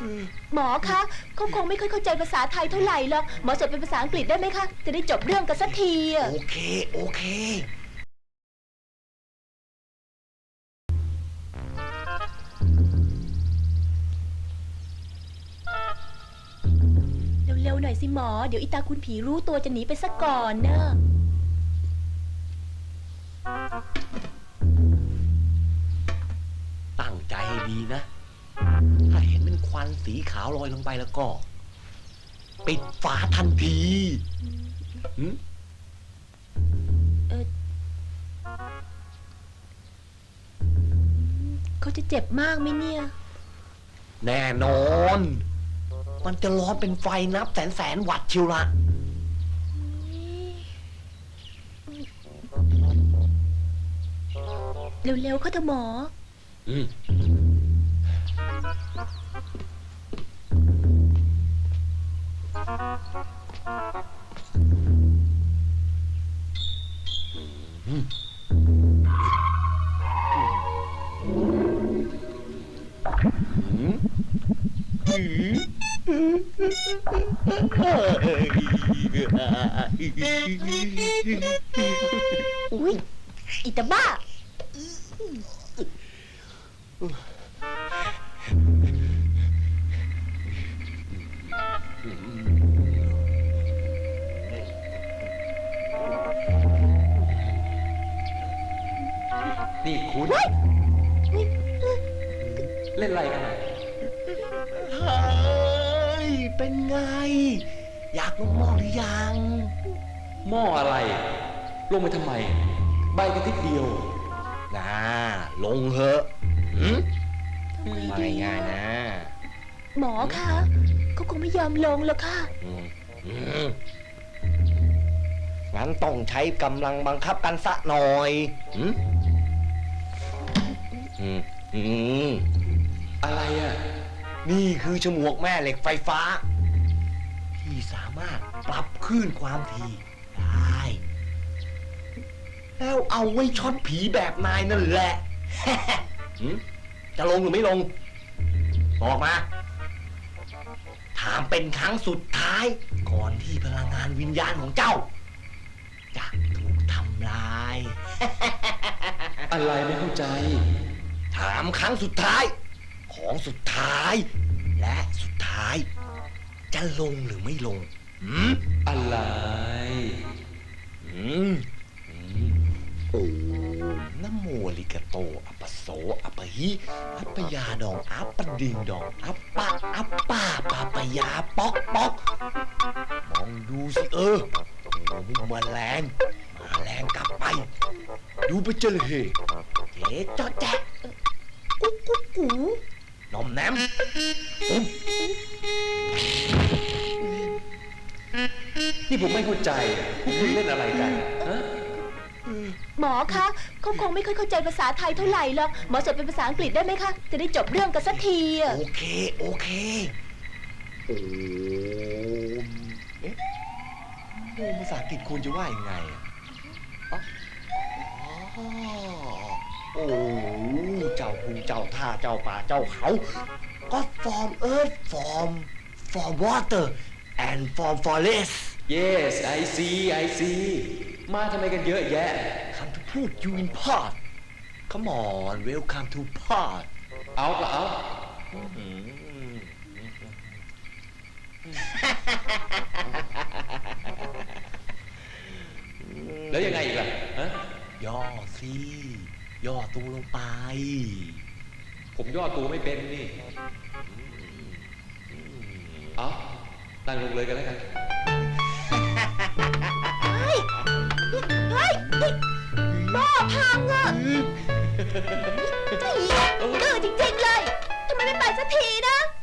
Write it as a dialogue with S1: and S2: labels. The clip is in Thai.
S1: หมอคะเขาคงไม่ค่อยเข้าใจภาษาไทยเท่าไหร่หรอกหมอสอนเป็นภาษาอังกฤษได้ไหมคะจะได้จบเรื่องกันสักทีอะ
S2: โอเคโอเค
S1: เร็วๆหน่อยสิหมอเดี๋ยวอีตาคุณผีรู้ตัวจะหนีไปซะก่อนเนอะ
S2: ตั้งใจให้ดีนะถ้าเห็นเป็นควันสีขาวลอยลงไปแล้วก็ปิดฝาทันที
S1: เขาจะเจ็บมากไหมเนี่ย
S2: แน่นอน มันจะร้อนเป็นไฟนับแสนวัตต์ชิวละ
S1: เร็วๆเขาเถอะหมออุ๊ยอีตาบ้า
S3: นี่คุณเล่นอะไรกันอ่ะ
S2: เฮ้ยเป็นไงอยากลงหม้อหรือยัง
S3: หม้ออะไร ลงไปทำไม ใบกันทีเดียว
S2: นะลงเหอะไม่ง่ายนะ
S1: หมอคะเขาคงไม่ยอมลงหรอกค่ะ
S2: งั้นต้องใช้กำลังบังคับกันสักหน่อย
S3: อะไรอ่ะ
S2: นี่คือฉมวกแม่เหล็กไฟฟ้าที่สามารถปรับคลื่นความถี่ได้แล้วเอาไว้ช็อตผีแบบนายนั่นแหละ จะลงหรือไม่ลงบอกมาถามเป็นครั้งสุดท้ายก่อนที่พลังงานวิญญาณของเจ้าจะถูกทำลาย
S3: อะไรไม่เข้าใจ
S2: ถามครั้งสุดท้ายของสุดท้ายและสุดท้ายจะลงหรือไม่ลง
S3: อะไร
S2: โอ้นะโมลิกาโตอัปปโสอัปปะหิอัปปยาดองอัปปะดิงดองอัปปะอัปปาปาปยาป๊อกป๊อกมองดูสิโอ้มาแรงกลับไปดูไปเจอเลยเจ๊จอแจ๊กุ๊กกุ๊กกูนมแนม
S3: นี่ผมไม่เข้าใจพวกคุณเล่นอะไรกันฮะ
S1: หมอคะเขาคงไม่ค่อยเข้าใจภาษาไทยเท่าไหร่หรอกหมอสอนเป็นภาษาอังกฤษได้ไหมคะจะได้จบเรื่องกันสักทีอะ
S2: โอเคโอ้เอ๊ะภาษาอังกฤษควรจะว่ายังไงโอ้เจ้าภูเจ้าท่าเจ้าป่าเจ้าเขา God from earth from water and from forest
S3: Yes I see มาทำไมกันเยอะแยะ
S2: Come to put you in part Come on welcome to part
S3: เอาก็เอาแล้วยังไงอีกล่ะฮะ
S2: ย่อสิย่อตัวลงไป
S3: ผมย่อตัวไม่เป็นนี่เอาตั้งลงเลยกันแล้วกัน
S1: เฮ้ยหม้อพังอ่ะดื้อจริงๆเลยทำไมไม่ไปสักทีนะ